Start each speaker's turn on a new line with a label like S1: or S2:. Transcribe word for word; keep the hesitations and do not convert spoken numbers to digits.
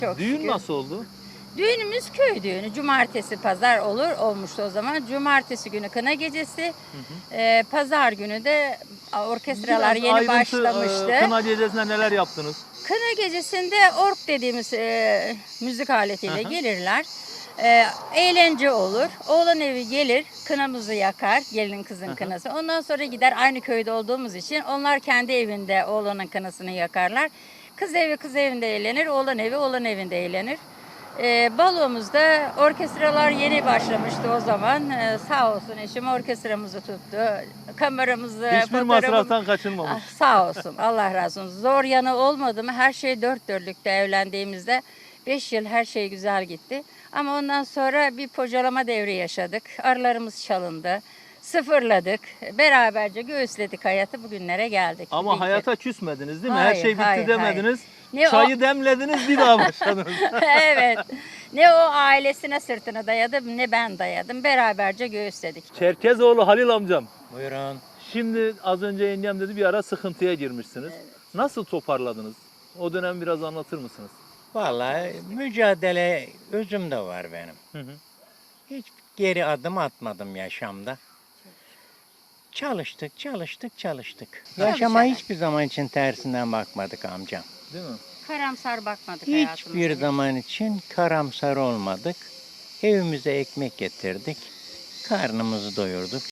S1: Çok
S2: Düğün
S1: şükür.
S2: nasıl oldu?
S1: Düğünümüz köy düğünü. Cumartesi pazar olur olmuştu o zaman. Cumartesi günü kına gecesi.
S2: Hı hı.
S1: Ee, pazar günü de orkestralar
S2: Biraz
S1: yeni
S2: ayrıntı,
S1: başlamıştı.
S2: e, kına gecesinde neler yaptınız?
S1: Kına gecesinde ork dediğimiz e, müzik aletiyle
S2: Hı hı.
S1: gelirler. E, eğlence olur. Oğlan evi gelir, kınamızı yakar, gelin kızın
S2: Hı hı.
S1: kınası. Ondan sonra gider, aynı köyde olduğumuz için onlar kendi evinde oğlanın kınasını yakarlar. Kız evi kız evinde eğlenir, oğlan evi oğlan evinde eğlenir. E, balomuzda orkestralar yeni başlamıştı o zaman. E, sağ olsun eşim orkestramızı tuttu. Kameramızı,
S2: Hiçbir
S1: fotoğrafımızı.
S2: masraftan
S1: Ah,
S2: kaçınmamış.
S1: sağ olsun, Allah razı olsun. Zor yanı olmadı mı? Her şey dört dörtlükte evlendiğimizde. Beş yıl her şey güzel gitti. Ama ondan sonra bir pocalama devri yaşadık. Arılarımız çalındı. Sıfırladık. Beraberce göğüsledik hayatı. Bugünlere geldik.
S2: Ama
S1: Bir-
S2: hayata küsmediniz değil mi? Her
S1: Hayır,
S2: şey bitti
S1: hayır,
S2: demediniz.
S1: Ne o-
S2: Çayı demlediniz bir daha başladınız.
S1: Evet. Ne o ailesine sırtını dayadı ne ben dayadım. Beraberce göğüsledik.
S2: Çerkezoğlu Halil amcam.
S3: Buyurun.
S2: Şimdi az önce yengem dedi bir ara sıkıntıya girmişsiniz. Nasıl toparladınız? O dönem biraz anlatır mısınız?
S3: Vallahi mücadele özümde var benim.
S2: Hı hı.
S3: Hiç geri adım atmadım yaşamda. Çalıştık, çalıştık, çalıştık. Yaşama
S1: Çalışarak.
S3: hiçbir zaman için tersinden bakmadık amcam.
S2: Değil mi?
S1: Karamsar bakmadık
S3: Hiçbir
S1: hayatımıza.
S3: zaman için karamsar olmadık. Evimize ekmek getirdik. Karnımızı doyurduk.